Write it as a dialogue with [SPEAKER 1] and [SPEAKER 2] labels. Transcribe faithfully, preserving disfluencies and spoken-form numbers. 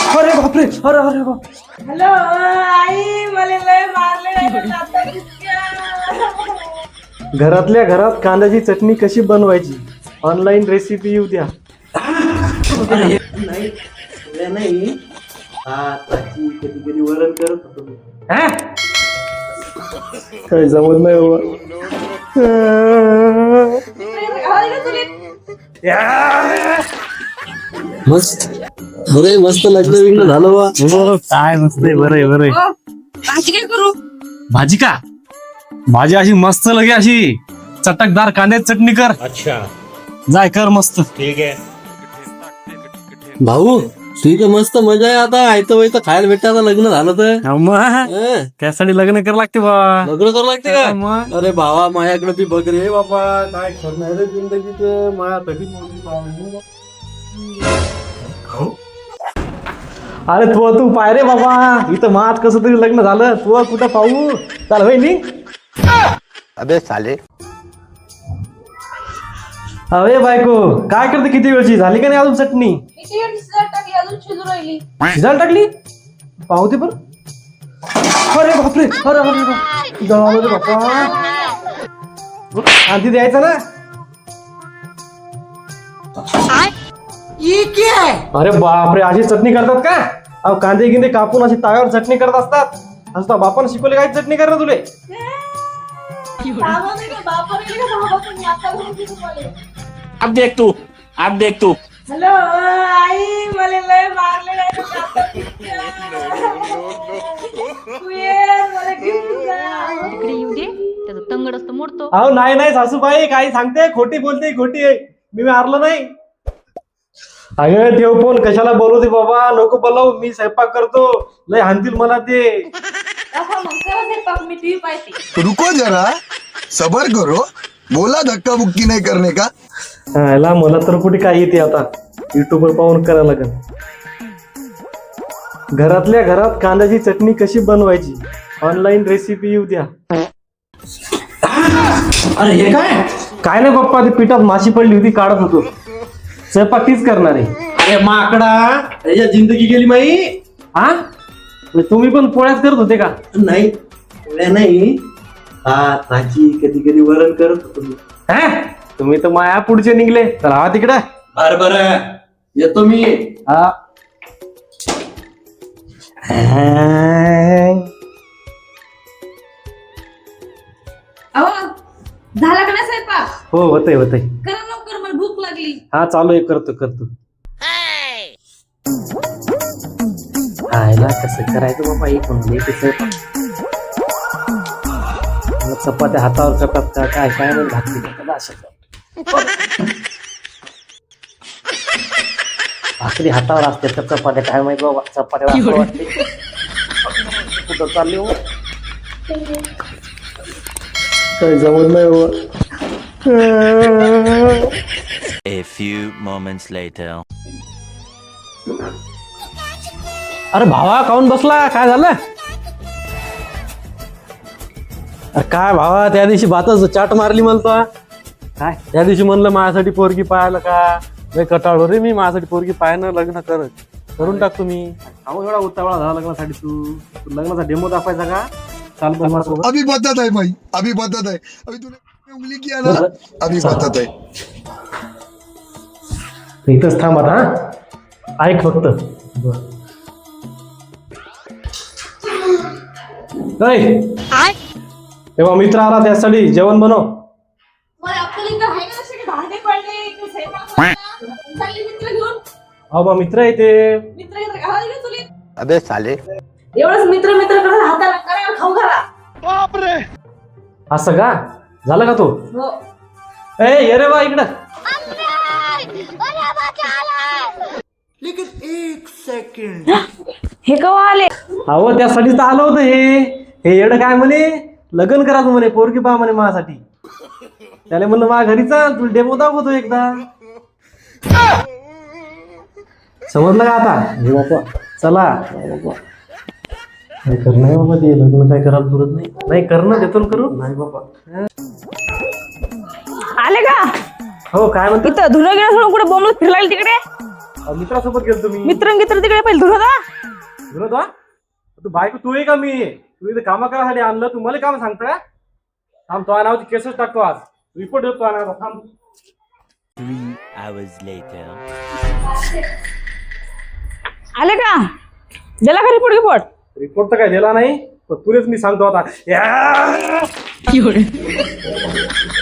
[SPEAKER 1] अरे बापरे, अरे अरे बाप.
[SPEAKER 2] हॅलो आई, मला लय मारले.
[SPEAKER 1] घरातल्या घरात कांद्याची चटणी कशी बनवायची ऑनलाईन रेसिपी येऊ द्या. नाही नाही कधी कधी वरण करत होतो मी. काय जमत नाही
[SPEAKER 3] मस्त. अरे मस्त लग्न विग्न झालं बा.
[SPEAKER 1] काय मस्त आहे. बरं आहे बरं आहे.
[SPEAKER 2] भाजी काय करू?
[SPEAKER 1] भाजी का? भाजी अशी मस्त लगे अशी चटकदार कांद्याची चटणी कर. अच्छा जाय कर मस्त. ठीक आहे
[SPEAKER 3] भाऊ ठीक आहे, मस्त मजा आहे. आता आयतं वायतं खायला भेटतं. आता लग्न झालं तर हं?
[SPEAKER 1] त्यासाठी लग्न करावं लागते बा.
[SPEAKER 3] लग्न करावं लागते का?
[SPEAKER 1] मग
[SPEAKER 3] अरे भावा माझ्याकडे बी बघ रे बाबा. काय करणार रे जिंदगीत माझ्यासाठी मुलगी पाहिजे.
[SPEAKER 1] अरे तू तू पाय रे बाबा. इथं मात कसं तरी लग्न झालं. तू कुठं पाहू चाल भाई नी.
[SPEAKER 4] अबे साले.
[SPEAKER 1] अरे बायको काय करते? किती वेळची झाली का नाही अजून चटणी?
[SPEAKER 2] किती वेळ शिजायला टाकली, अजून शिजू राहिली.
[SPEAKER 1] शिजायला टाकली? पाहू दे पण. अरे बापरे, अरे अरे बाप. जळालं रे बाप्पा. आधी द्यायचं ना. अरे बापरे, अशी चटणी करतात का? अहो कांदे गिंदे कापून अशी ताव्यावर चटणी करत असतात. असं बापानं शिकवले काय चटणी कर ना तुले?
[SPEAKER 2] बाबाने का बापाने का बाबाने आता घरी शिजू राहिले.
[SPEAKER 4] अब देख तू, अब देख तू.
[SPEAKER 2] हॅलो आई, मला लय मारले. तू ये, मला घेऊन जा.
[SPEAKER 5] तिकडे येऊ दे, त्याचं तंगड असतं मोडतो.
[SPEAKER 1] अहो नाही नाही सासूबाई काही सांगते. खोटी बोलते, खोटी आहे. मी मारलं नाही. अगं ठेव फोन. कशाला बोलवते बाबा? नको बोलाव. मी स्वयंपाक करतो. लय हाणतील मला ते.
[SPEAKER 2] दाखवा मग, करा स्वयंपाक, मी टीव्ही पाहते.
[SPEAKER 6] रुको जरा, सबर करो. बोला धक्का बुक्की नहीं करने का.
[SPEAKER 1] ह्याला मला तर कुठे काय येते आता. युट्यूब वर पाहून करायला लागेल. घरातल्या घरात कांद्याची चटणी कशी बनवायची ऑनलाईन रेसिपी येऊ द्या. अरे हे काय? काय नाही पप्पा, ती पिठात माशी पडली होती, काढत होतो. स्वयंपाक तीच करणार आहे. अरे माकडा, त्याच्या जिंदगी गेली माई. हा तुम्ही पण पोळ्याच करत होते का?
[SPEAKER 3] नाही पोळ्या नाही, भात भाजी कधी कधी वरण करत होतो मी.
[SPEAKER 1] हा तुम्ही तर माया पुढचे निघले. तर हा तिकडे.
[SPEAKER 3] बर बर येतो मी.
[SPEAKER 1] हा
[SPEAKER 2] अहो, झाला का नाही स्वयंपाक?
[SPEAKER 1] हो होतंय होतंय.
[SPEAKER 2] करा लवकर, मला भूक लागली.
[SPEAKER 1] हा चालू आहे, करतो करतो. खायला कसं करायचं बाबा? एक म्हणून चपात्या हातावर करतात का काय? काय नाही घातली भाकरी हातावर असते तर चपात्या काय माहिती बाबा. चपात्या वाटते कुठं चालली हो? काय जमत नाही बाबा.
[SPEAKER 7] A few moments later.
[SPEAKER 1] अरे भावा काऊन बसला? काय झालं? अरे काय भावा, त्या दिवशी भातच चाट मारली मला तो. काय त्या दिवशी म्हणलं माझ्यासाठी पोरगी पाहायला का? नाही कटाळलो रे मी. माझ्यासाठी पोरगी पाहायला लग्न करत करून टाक तुम्ही. अहो एवढा उतावळा झाला लग्नासाठी. तू तू लग्नाचा डेमो दाखवायचा का? चाल पण माझ्यासोबत.
[SPEAKER 6] अभी बताता है भाई, अभी बताता है. अभी तूने उंगली किया ना, अभी बताता है.
[SPEAKER 1] इथंच थांब आता. हा ऐक फक्त. तेव्हा मित्र आला त्यासाठी जेवण बनव.
[SPEAKER 2] मला अक्कली तर आहे का? असे भांडे पडले की स्वयंपाक बनवला. चालली मित्र घेऊन.
[SPEAKER 1] अहो बा मित्र आहे ते.
[SPEAKER 2] मित्र घेऊन घाला गेले तुले.
[SPEAKER 4] अबे साले.
[SPEAKER 2] एवढंच मित्र मित्र करत हाताला करायला खाऊ घाला.
[SPEAKER 1] असं का झालं का तो?
[SPEAKER 2] हो.
[SPEAKER 1] ए ये रे बा इकडं.
[SPEAKER 2] हे कवा आले?
[SPEAKER 1] अहो त्यासाठीच तर आलं होतं हे. हे येडं काय म्हणे, लग्न करायचं म्हणे, पोरगी पहा म्हणे माझ्यासाठी. त्याला म्हणलं माझ्या घरी चाल, तुला डेमो दाखवतो एकदा. समजलं का आता? हे बापा चला बाबा. काय करणं बाबा, ते लग्न काय करायला पुरत नाही. नाही करणं देतो करू. नाही बाबा.
[SPEAKER 2] आले का?
[SPEAKER 1] हो काय म्हणतो?
[SPEAKER 2] इथं धुणं गेलं सोडून कुठे बोंबलत फिरलाय तिकडे?
[SPEAKER 1] अहो, मित्रासोबत गेलो तुम्ही
[SPEAKER 2] मित्र मित्र तिकडे पहिले धुर होता.
[SPEAKER 1] विनोद हा? तू बायको तू आहे का मी तू इथे कामा करायसाठी आणलं तू मला काम सांगता थांब तो नावाची केसच टाकतो आज रिपोर्ट देतो आणायला थांब.
[SPEAKER 7] Three hours later.
[SPEAKER 2] आले का दिला का रिपोर्ट रिपोर्ट
[SPEAKER 1] रिपोर्ट तर काय दिला नाही पण तुलेच मी सांगतो आता या!